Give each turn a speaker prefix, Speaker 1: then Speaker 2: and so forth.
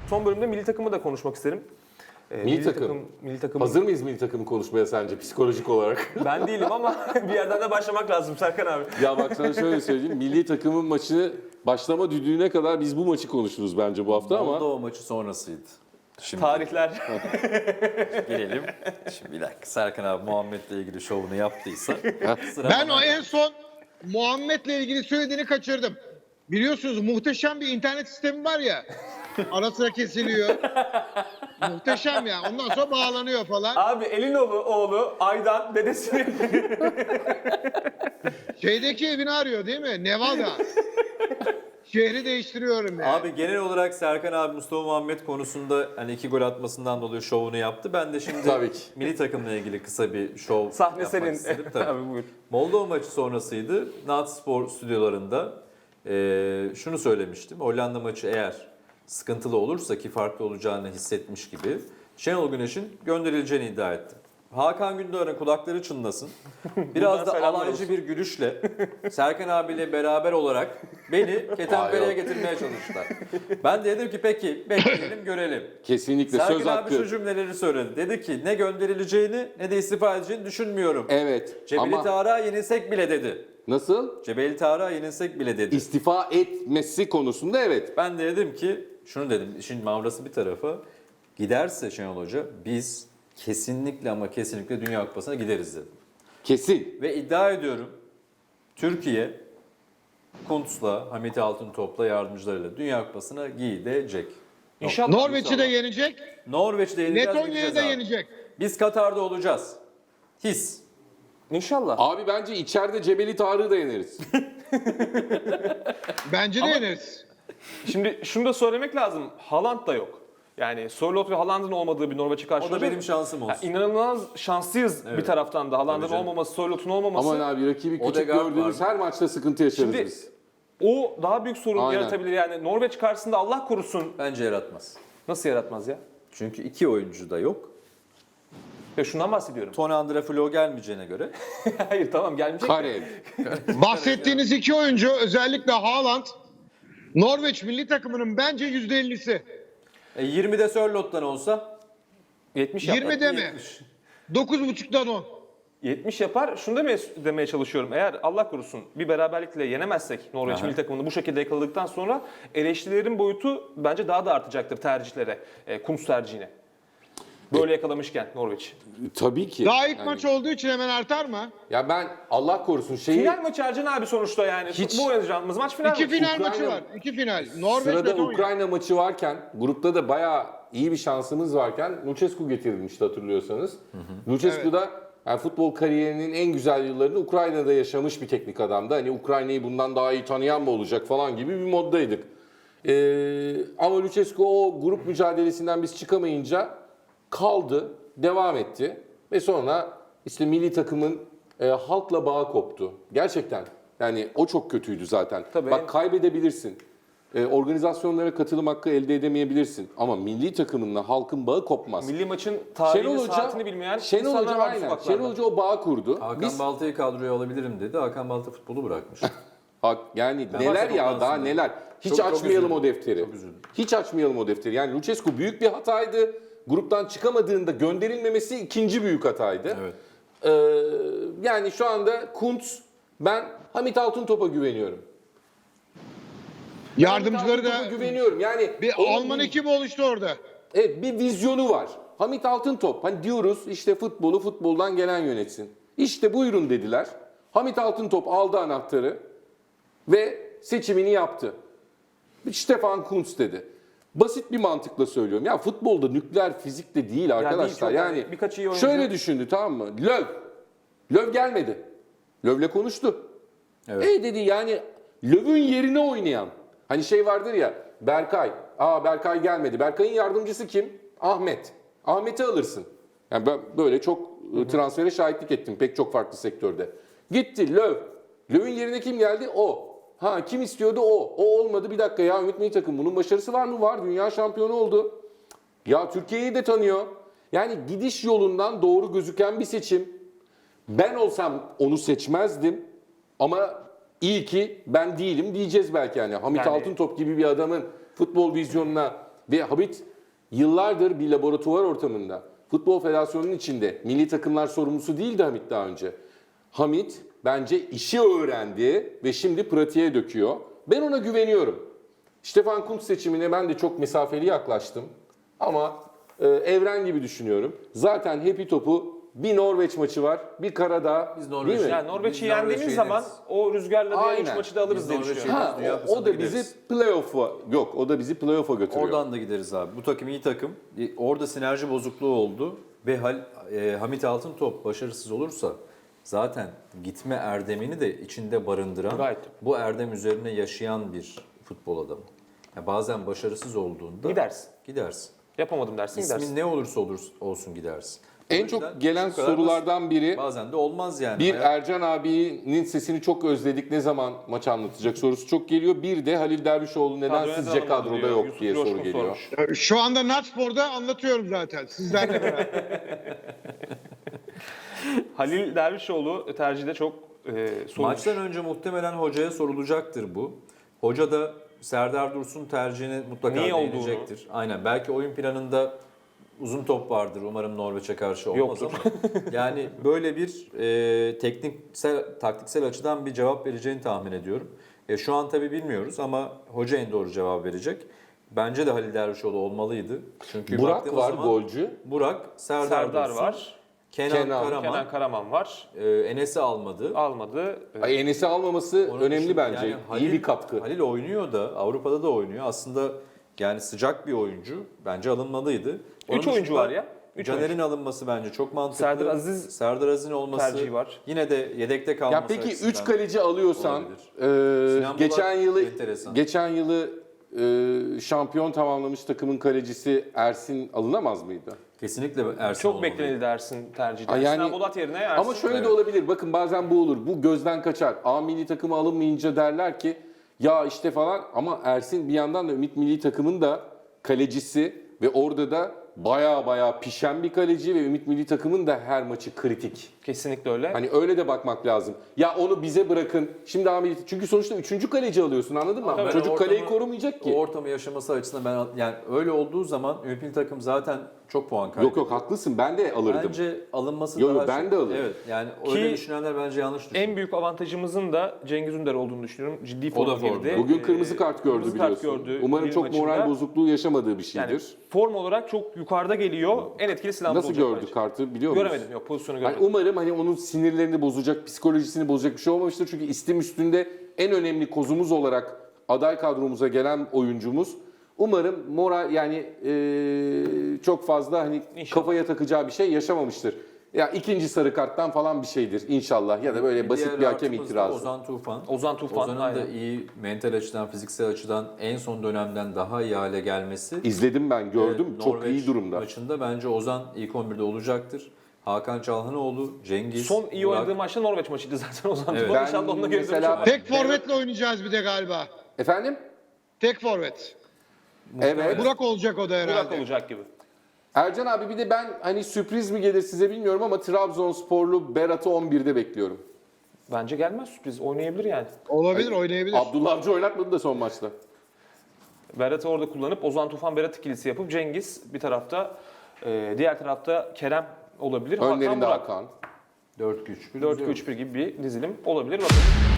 Speaker 1: Son bölümde milli takımı da konuşmak isterim. Milli takım.
Speaker 2: Hazır mıyız milli takımı konuşmaya sence psikolojik olarak?
Speaker 1: Ben değilim ama bir yerden de başlamak lazım Serkan abi.
Speaker 2: Ya bak sana şöyle söyleyeyim. Milli takımın maçı başlama düdüğüne kadar biz bu maçı konuşuruz bence bu hafta ama.
Speaker 3: Moldova maçı sonrasıydı. Şimdi
Speaker 1: Tarihler.
Speaker 3: gelelim. Şimdi bir dakika. Serkan abi Muhammed'le ilgili şovunu yaptıysa sıra
Speaker 4: Ben
Speaker 3: bana.
Speaker 4: o en son Muhammed'le ilgili söylediğini kaçırdım. Biliyorsunuz muhteşem bir internet sistemi var ya. Ara sıra kesiliyor. Muhteşem ya. Ondan sonra bağlanıyor falan.
Speaker 1: Abi oğlu Aydan dedesini.
Speaker 4: Şeydeki evini arıyor değil mi? Nevada. Şehri değiştiriyorum ya.
Speaker 3: Abi genel olarak Serkan abi Mustafa Muhammed konusunda hani 2 gol atmasından dolayı şovunu yaptı. Ben de şimdi
Speaker 2: Tabii ki.
Speaker 3: milli takımla ilgili kısa bir şov
Speaker 1: Sahne
Speaker 3: yapmak
Speaker 1: senin.
Speaker 3: istedim. Tabii.
Speaker 1: Abi buyur.
Speaker 3: Moldova maçı sonrasıydı. Nat Spor stüdyolarında şunu söylemiştim. Hollanda maçı eğer sıkıntılı olursa ki farklı olacağını hissetmiş gibi Şenol Güneş'in gönderileceğini iddia ettim. Hakan Gündoğan'ın kulakları çınlasın. Biraz da
Speaker 1: selamlar
Speaker 3: alaycı
Speaker 1: olsun.
Speaker 3: bir gülüşle Serkan abiyle beraber olarak beni ketenpereye getirmeye çalıştılar. Ben de dedim ki peki bekleyelim görelim.
Speaker 2: Kesinlikle
Speaker 3: Serkan
Speaker 2: söz
Speaker 3: abi
Speaker 2: hakkı.
Speaker 3: şu cümleleri söyledi. Dedi ki ne gönderileceğini ne de istifa edeceğini düşünmüyorum.
Speaker 2: Evet
Speaker 3: Cebeli
Speaker 2: ama
Speaker 3: Tarık'a yenilsek bile dedi.
Speaker 2: nasıl?
Speaker 3: Cebeli Tarık'a yenilsek bile dedi.
Speaker 2: İstifa etmesi konusunda evet.
Speaker 3: Ben de dedim ki şunu dedim. Şimdi mavrası bir tarafa. Giderse Şenol Hoca biz kesinlikle ama kesinlikle Dünya Kupası'na gideriz dedim.
Speaker 2: Kesin.
Speaker 3: Ve iddia ediyorum Türkiye Kuntz'la, Hamit Altıntop'la yardımcılarıyla Dünya Kupası'na gidecek.
Speaker 1: İnşallah.
Speaker 4: Norveç'i de yenecek.
Speaker 3: Norveç'te yeneceğiz.
Speaker 4: Letonya'yı
Speaker 3: gideceğiz
Speaker 4: da
Speaker 3: abi.
Speaker 4: yenecek.
Speaker 3: Biz Katar'da olacağız. His.
Speaker 1: İnşallah.
Speaker 2: Abi bence içeride Cebeli Tarık'ı da yeneriz.
Speaker 4: Bence de yeneriz.
Speaker 1: Şimdi şunu da söylemek lazım. Haaland da yok. Yani Sörloth ve Haaland'ın olmadığı bir Norveç'e karşı
Speaker 3: O da
Speaker 1: olacak.
Speaker 3: benim şansım olsun.
Speaker 1: Yani inanılmaz şanslıyız bir taraftan da. Haaland'ın
Speaker 3: Tabii canım.
Speaker 1: olmaması, Sörloth'un olmaması.
Speaker 2: Aman abi rakibi küçük
Speaker 3: Odegaard
Speaker 2: gördüğünüz
Speaker 3: var.
Speaker 2: her maçta sıkıntı yaşarız
Speaker 1: Şimdi-
Speaker 2: biz.
Speaker 1: O daha büyük sorun
Speaker 2: Aynen.
Speaker 1: yaratabilir. Yani Norveç karşısında Allah korusun.
Speaker 3: Bence yaratmaz.
Speaker 1: Nasıl yaratmaz ya?
Speaker 3: Çünkü 2 oyuncu da yok.
Speaker 1: Ya şundan bahsediyorum.
Speaker 3: Tony Andre Flo gelmeyeceğine göre.
Speaker 1: Hayır tamam gelmeyecek.
Speaker 2: Karev.
Speaker 4: Bahsettiğiniz iki oyuncu özellikle Haaland Norveç milli takımının bence %50'si.
Speaker 3: 20'de Sörloth'tan olsa
Speaker 1: 70 yapar.
Speaker 4: 20 deme. 9.5'dan 10.
Speaker 1: 70 yapar. Şunu demeye çalışıyorum. Eğer Allah korusun bir beraberlikle yenemezsek Norveç milli takımını bu şekilde yakaladıktan sonra eleştirilerin boyutu bence daha da artacaktır tercihlere. Kuntz tercihine. Böyle yakalamışken Norveç.
Speaker 2: Tabii ki.
Speaker 4: Daha ilk
Speaker 2: Yani-
Speaker 4: maç olduğu için hemen artar mı?
Speaker 2: Ya ben Allah korusun şeyi
Speaker 1: Final maçı Ercan abi sonuçta yani.
Speaker 2: Hiç-
Speaker 1: Bu oynayacağımız maç final
Speaker 4: İki
Speaker 1: maçı.
Speaker 4: final
Speaker 2: Ukrayna-
Speaker 4: maçı var. İki final. Norveç
Speaker 2: sırada
Speaker 4: Letonya.
Speaker 2: Ukrayna maçı varken grupta da bayağı iyi bir şansımız varken Lucescu getirilmişti hatırlıyorsanız. Lucescu da yani futbol kariyerinin en güzel yıllarını Ukrayna'da yaşamış bir teknik adamdı. Hani Ukrayna'yı bundan daha iyi tanıyan mı olacak falan gibi bir moddaydık. Ama Lucescu o grup mücadelesinden biz çıkamayınca kaldı, devam etti ve sonra işte milli takımın halkla bağı koptu. Gerçekten yani o çok kötüydü zaten.
Speaker 1: Tabii.
Speaker 2: Bak kaybedebilirsin. Organizasyonlara katılım hakkı elde edemeyebilirsin. Ama milli takımınla halkın bağı kopmaz.
Speaker 1: Milli maçın tarihini, saatini bilmeyen
Speaker 2: Şenol
Speaker 1: insanlar
Speaker 2: Hoca
Speaker 1: var
Speaker 2: aynen.
Speaker 1: sokaklarda.
Speaker 2: Şenol Hoca o bağı kurdu.
Speaker 3: Hakan
Speaker 2: Biz
Speaker 3: Balta'yı kadroya alabilirim dedi. Hakan Balta futbolu bırakmış.
Speaker 2: yani
Speaker 3: Ben
Speaker 2: neler
Speaker 3: başta
Speaker 2: ya
Speaker 3: ondan
Speaker 2: daha
Speaker 3: sonra.
Speaker 2: neler. Hiç
Speaker 3: Çok
Speaker 2: açmayalım
Speaker 3: üzüldüm.
Speaker 2: o defteri.
Speaker 3: Çok üzüldüm.
Speaker 2: Hiç açmayalım o defteri. Yani Lucescu büyük bir hataydı. Gruptan çıkamadığında gönderilmemesi ikinci büyük hataydı.
Speaker 3: Evet.
Speaker 2: Yani şu anda Kuntz, ben Hamit Altıntop'a güveniyorum.
Speaker 4: Yardımcıları
Speaker 2: Hamit
Speaker 4: da
Speaker 2: Altıntop'a güveniyorum. Yani
Speaker 4: bir
Speaker 2: onun
Speaker 4: Alman ekibi oluştu orada.
Speaker 2: evet, bir vizyonu var. Hamit Altıntop, hani diyoruz işte futbolu futboldan gelen yönetsin. İşte buyurun dediler. Hamit Altıntop aldı anahtarı ve seçimini yaptı. Stefan Kuntz dedi. Basit bir mantıkla söylüyorum. Ya futbolda nükleer fizik de değil arkadaşlar.
Speaker 1: değil, çok
Speaker 2: Yani
Speaker 1: birkaç iyi oyuncu.
Speaker 2: şöyle düşündü, tamam mı? Löw gelmedi. Löw'le konuştu.
Speaker 3: Evet.
Speaker 2: Dedi yani Löw'ün yerine oynayan. Hani şey vardır ya, Berkay. Berkay gelmedi. Berkay'ın yardımcısı kim? Ahmet. Ahmet'i alırsın. Yani ben böyle çok transfere şahitlik ettim pek çok farklı sektörde. Gitti Löw. Löw'ün yerine kim geldi? O. Kim istiyordu? O. O olmadı. Bir dakika ya, Ümit Milli Takım bunun başarısı var mı? Var. Dünya şampiyonu oldu. Ya Türkiye'yi de tanıyor. Yani gidiş yolundan doğru gözüken bir seçim. Ben olsam onu seçmezdim. Ama iyi ki ben değilim diyeceğiz belki yani. Hamit
Speaker 1: Yani-
Speaker 2: Altıntop gibi bir adamın futbol vizyonuna Ve Hamit yıllardır bir laboratuvar ortamında, Futbol Federasyonu'nun içinde milli takımlar sorumlusu değildi Hamit daha önce. Hamit bence işi öğrendi ve şimdi pratiğe döküyor. Ben ona güveniyorum. Stefan Kuntz seçimine ben de çok mesafeli yaklaştım. Ama evren gibi düşünüyorum. Zaten Happy Top'u bir Norveç maçı var, bir Karadağ.
Speaker 3: Biz
Speaker 2: değil
Speaker 3: Norveç-
Speaker 2: mi?
Speaker 1: Yani Norveç'i
Speaker 3: Biz
Speaker 1: yendiğimiz
Speaker 3: Norveç'i
Speaker 1: zaman
Speaker 3: yeneriz.
Speaker 1: o rüzgarla diğer
Speaker 2: Aynen.
Speaker 1: 3 maçı da alırız
Speaker 3: Biz
Speaker 1: diye
Speaker 3: Norveç'i
Speaker 1: düşünüyorum.
Speaker 3: yeneriz.
Speaker 2: Ha,
Speaker 3: Dünya
Speaker 2: o da
Speaker 3: Kupası'na
Speaker 2: bizi
Speaker 3: gideriz.
Speaker 2: playoff'a yok, o da bizi playoff'a götürüyor.
Speaker 3: Oradan da gideriz abi. Bu takım iyi takım. Orada sinerji bozukluğu oldu ve Hamit Altıntop başarısız olursa zaten gitme erdemini de içinde barındıran,
Speaker 1: Gayet.
Speaker 3: bu erdem üzerine yaşayan bir futbol adamı. Yani bazen başarısız olduğunda
Speaker 1: Gidersin.
Speaker 3: gidersin.
Speaker 1: Yapamadım dersin
Speaker 3: İsmin
Speaker 1: gidersin.
Speaker 3: ne olursa olsun gidersin. O
Speaker 2: En
Speaker 3: yüzden
Speaker 2: çok gelen
Speaker 3: şu kadar
Speaker 2: sorulardan biri,
Speaker 3: basit. Bazen de olmaz yani.
Speaker 2: bir
Speaker 3: Hayat-
Speaker 2: Ercan abinin sesini çok özledik, ne zaman maç anlatacak sorusu çok geliyor. Bir de Halil Dervişoğlu neden
Speaker 1: Kadroya
Speaker 2: sizce
Speaker 1: neden
Speaker 2: kadroda
Speaker 1: alındı
Speaker 2: yok
Speaker 1: Yusuf
Speaker 2: diye
Speaker 1: Coşkun
Speaker 2: soru geliyor.
Speaker 1: sormuş.
Speaker 4: Şu anda Natspor'da anlatıyorum zaten sizlerle beraber.
Speaker 1: Halil Dervişoğlu tercihde çok sorulmuş.
Speaker 3: Maçtan önce muhtemelen hocaya sorulacaktır bu. Hoca da Serdar Dursun tercihine mutlaka
Speaker 1: Niye olduğunu.
Speaker 3: değinecektir. Aynen. Belki oyun planında uzun top vardır. Umarım Norveç'e karşı olmaz
Speaker 1: Yoktur.
Speaker 3: ama yani böyle bir taktiksel açıdan bir cevap vereceğini tahmin ediyorum. Şu an tabii bilmiyoruz ama hoca en doğru cevap verecek. Bence de Halil Dervişoğlu olmalıydı. Çünkü
Speaker 2: Burak
Speaker 3: baktığımız
Speaker 2: var,
Speaker 3: zaman
Speaker 2: golcü.
Speaker 3: Burak,
Speaker 1: Serdar
Speaker 3: Dursun,
Speaker 1: var.
Speaker 3: Kenan Karaman,
Speaker 1: Kenan Karaman var.
Speaker 3: Enes'i almadı.
Speaker 1: Almadı.
Speaker 2: Ay, Enes'i almaması
Speaker 3: Onun
Speaker 2: önemli
Speaker 3: dışında
Speaker 2: bence.
Speaker 3: yani
Speaker 2: İyi bir katkı.
Speaker 3: Halil oynuyor da Avrupa'da da oynuyor. Aslında yani sıcak bir oyuncu. Bence alınmalıydı. Onun
Speaker 1: 3 oyuncu
Speaker 3: dışında
Speaker 1: var ya. 3
Speaker 3: Caner'in alınması bence çok mantıklı. Serdar Aziz'in olması
Speaker 1: tercihi var.
Speaker 3: Yine de yedekte kalması
Speaker 2: Ya peki
Speaker 3: açısından
Speaker 2: 3 kaleci alıyorsan
Speaker 3: Sinan
Speaker 2: geçen
Speaker 3: Bulat
Speaker 2: yılı
Speaker 3: enteresan.
Speaker 2: şampiyon tamamlamış takımın kalecisi Ersin alınamaz mıydı?
Speaker 3: kesinlikle Ersin
Speaker 1: Çok
Speaker 3: olmalıydı.
Speaker 1: beklenildi Ersin tercihde.
Speaker 2: Ay, yani-
Speaker 1: Sinan Bolat yerine Ersin.
Speaker 2: Ama şöyle de
Speaker 3: Evet.
Speaker 2: olabilir. Bakın bazen bu olur. Bu gözden kaçar. A milli takımı alınmayınca derler ki ya işte falan, ama Ersin bir yandan da Ümit milli takımın da kalecisi ve orada da baya pişen bir kaleci ve Ümit milli takımın da her maçı kritik.
Speaker 1: Kesinlikle öyle.
Speaker 2: Hani öyle de bakmak lazım. Ya onu bize bırakın. Şimdi A milli, çünkü sonuçta 3. kaleci alıyorsun, anladın mı?
Speaker 1: Tabii.
Speaker 2: Çocuk
Speaker 3: Ben
Speaker 2: kaleyi
Speaker 3: ortamı-
Speaker 2: korumayacak ki.
Speaker 3: O ortamı yaşaması açısından ben yani öyle olduğu zaman Ümit milli takım zaten çok puan kaybediyor.
Speaker 2: Yok haklısın, ben de alırdım.
Speaker 3: Bence alınması
Speaker 2: Yo,
Speaker 3: daha
Speaker 2: ben de alırım.
Speaker 3: Evet yani
Speaker 1: Ki
Speaker 3: öyle düşünenler bence yanlış düşünüyor.
Speaker 1: En büyük avantajımızın da Cengiz Ünder olduğunu düşünüyorum. Ciddi
Speaker 3: O
Speaker 1: forma
Speaker 3: da formda.
Speaker 1: girdi.
Speaker 2: Bugün kırmızı kart gördü
Speaker 1: kırmızı kart
Speaker 2: biliyorsun.
Speaker 1: gördü
Speaker 2: Umarım
Speaker 1: Lille
Speaker 2: çok
Speaker 1: maçında.
Speaker 2: moral bozukluğu yaşamadığı bir
Speaker 1: Yani
Speaker 2: şeydir.
Speaker 1: form olarak çok yukarıda geliyor. En etkili silahımız
Speaker 2: Nasıl
Speaker 1: olacak
Speaker 2: gördü
Speaker 1: bence.
Speaker 2: kartı biliyor musun?
Speaker 1: Göremedim, yok pozisyonu
Speaker 2: Hani
Speaker 1: göremedim.
Speaker 2: umarım hani onun sinirlerini bozacak, psikolojisini bozacak bir şey olmamıştır. Çünkü istim üstünde en önemli kozumuz olarak aday kadromuza gelen oyuncumuz. Umarım moral yani çok fazla hani
Speaker 1: İnşallah.
Speaker 2: kafaya takacağı bir şey yaşamamıştır. Ya ikinci sarı karttan falan bir şeydir inşallah, ya da böyle basit
Speaker 3: diğer
Speaker 2: bir hakem
Speaker 3: rahatımız da
Speaker 2: itirazı.
Speaker 3: Ozan Tufan.
Speaker 1: Ozan Tufan,
Speaker 3: Ozan'ın da
Speaker 1: aynen.
Speaker 3: iyi mental açıdan, fiziksel açıdan en son dönemden daha iyi hale gelmesi.
Speaker 2: İzledim ben, gördüm,
Speaker 3: Evet,
Speaker 2: çok
Speaker 3: Norveç
Speaker 2: iyi durumda.
Speaker 3: maçında bence Ozan ilk 11'de olacaktır. Hakan Çalhanoğlu, Cengiz,
Speaker 1: Son iyi
Speaker 3: Burak.
Speaker 1: oynadığı maçta Norveç maçıydı zaten Ozan
Speaker 3: Evet.
Speaker 1: Tufan.
Speaker 2: Ben
Speaker 1: İnşallah onunla geri
Speaker 2: mesela-
Speaker 1: dönüş yapar.
Speaker 4: Tek forvetle oynayacağız bir de galiba.
Speaker 2: Efendim?
Speaker 4: Tek forvet.
Speaker 2: Evet.
Speaker 4: Burak olacak o da herhalde.
Speaker 1: Burak olacak gibi.
Speaker 2: Ercan abi bir de ben hani sürpriz mi gelir size bilmiyorum ama Trabzonsporlu Berat'ı 11'de bekliyorum.
Speaker 1: Bence gelmez sürpriz. Oynayabilir yani.
Speaker 4: Olabilir, oynayabilir.
Speaker 2: Abdullah Avcı oynatmadı da son maçta.
Speaker 1: Berat'ı orada kullanıp Ozan Tufan Berat ikilisi yapıp Cengiz bir tarafta, diğer tarafta Kerem olabilir.
Speaker 2: Önlerinde
Speaker 1: Hakan Burak.
Speaker 2: Hakan.
Speaker 3: 4-3.
Speaker 1: 4-2-3-1 gibi bir dizilim olabilir. Bakalım.